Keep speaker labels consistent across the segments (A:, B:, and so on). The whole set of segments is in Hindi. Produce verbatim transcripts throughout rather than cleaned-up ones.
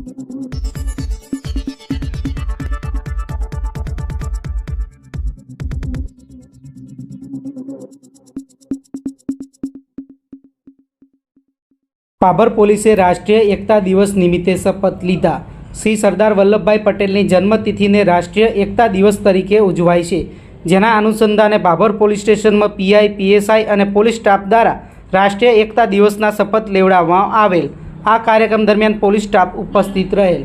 A: પાભર પોલીસે રાષ્ટ્રીય એકતા દિવસ નિમિત્તે શપથ લીધા। શ્રી સરદાર વલ્લભભાઈ પટેલની જન્મતિથિને રાષ્ટ્રીય એકતા દિવસ તરીકે ઉજવાય છે, જેના અનુસંધાને પાભર પોલીસ સ્ટેશનમાં પીઆઈ, પીએસઆઈ અને પોલીસ સ્ટાફ દ્વારા રાષ્ટ્રીય એકતા દિવસના શપથ લેવડાવવામાં આવેલ। આ કાર્યક્રમ દરમિયાન પોલીસ સ્ટાફ ઉપસ્થિત રહેલ।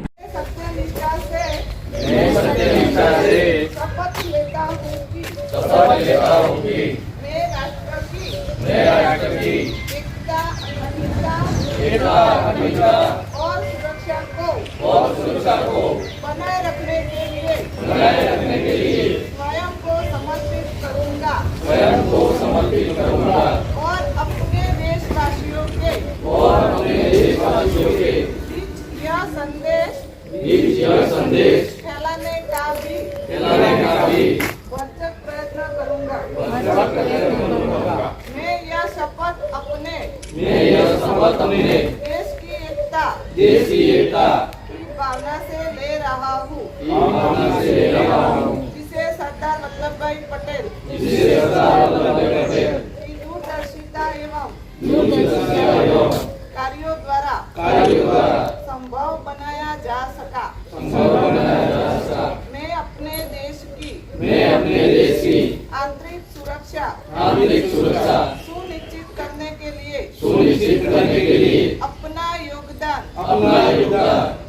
B: और सुरक्षा को और सुरक्षा को बनाए रखने के लिए बनाए रखने के लिए स्वयं को समर्पित करूंगा स्वयं को समर्पित करूंगा और अपने देशवासियों के और अपने देशवासियों के बीच यह संदेश बीच यह संदेश फैलाने का भी फैलाने का भी भरसक प्रयत्न करूंगा भरसक प्रयत्न करूंगा। मैं यह शपथ अपने मैं यह शपथ अपने देश की एकता देश की एकता की भावना से ले रहा हूँ भावना से ले रहा हूँ जिसे सरदार वल्लभ भाई पटेल जिसे सरदार वल्लभ भाई पटेल की दूरदर्शिता एवं दूरदर्शिता एवं कार्यों द्वारा कार्यों द्वारा संभव बनाया जा सका संभव बनाया जा सका। मैं अपने देश की मैं अपने देश की आंतरिक सुरक्षा आंतरिक सुरक्षा सुनिश्चित करने के लिए सुनिश्चित करने के लिए अपना योगदान अपना योगदान